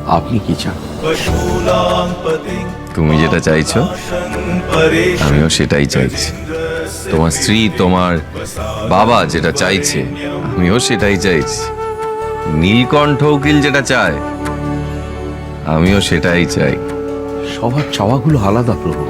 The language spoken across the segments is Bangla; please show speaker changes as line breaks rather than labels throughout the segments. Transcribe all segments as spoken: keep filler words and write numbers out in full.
আপনি কি চান?
তুমি যেটা চাইছো আমিও সেটাই চাইছি। তোমার স্ত্রী তোমার বাবা যেটা চাইছে আমিও সেটাই চাইছি। নীলকণ্ঠ উকিল যেটা চায় আমিও সেটাই চাই।
সবার চাওয়াগুলো আলাদা প্রভু।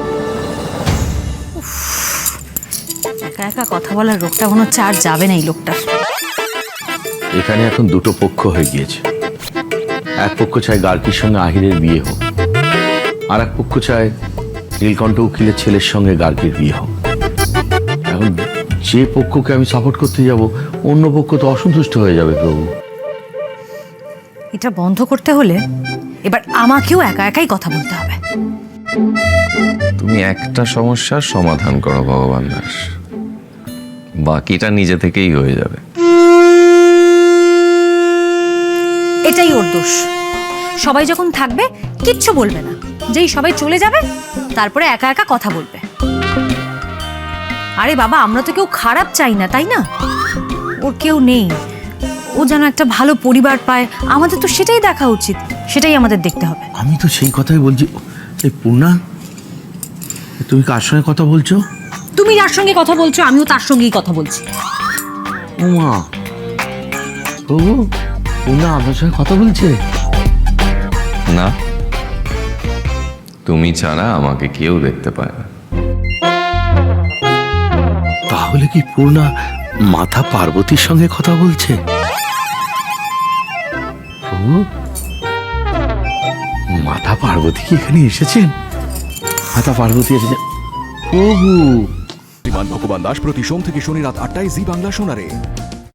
একা একা কথা বলার রোগটা মনে হচ্ছে আর যাবে না এই লোকটার।
এখানে এখন দুটো পক্ষ হয়ে গিয়েছে। এক পক্ষ চায় গার্গীর সঙ্গে আহিরের বিয়ে হোক, আর এক পক্ষ চায় নীলকণ্ঠ উকিলের ছেলের সঙ্গে গার্গীর বিয়ে হোক। এখন যে পক্ষকে আমি সাপোর্ট করতে যাব অন্য পক্ষ তো অসন্তুষ্ট হয়ে যাবে প্রভু।
এটা বন্ধ করতে হলে এবার আমাকেও একা একাই কথা বলতে হবে।
তুমি একটা সমস্যার সমাধান করো ভগবান দাস, বাকিটা নিজে থেকেই হয়ে যাবে।
এটাই ওর দোষ। সবাই যখন থাকবে কিচ্ছু বলবে না, যেই সবাই চলে যাবে তারপরে একা একা কথা বলবে। আরে বাবা, আমরা তো কেউ খারাপ চাই না, তাই না? ওর কেউ নেই, ও যেন একটা ভালো পরিবার পায়, আমাদের তো সেটাই দেখা উচিত, সেটাই আমাদের দেখতে হবে।
আমি তো সেই কথাই বলছি। এই পূর্ণা, তুমি কার সঙ্গে কথা বলছো?
তুমি যার সঙ্গে কথা বলছো আমিও তার সঙ্গেই কথা বলছি।
ওমা, প্রভু, পূর্ণা আপনার সঙ্গে কথা বলছে?
না, তুমি ছাড়া আমাকে কেউ দেখতে পায় না।
তাহলে কি পূর্ণা মাতা পার্বতীর সঙ্গে কথা বলছে? প্রভু, মাতা পার্বতী কি এখানে এসেছেন? মাতা পার্বতী এসেছেন প্রভু।
বিমান ভগবান দাস প্রতি সোম থেকে শনি রাত আটটায় জি বাংলা শোনারে।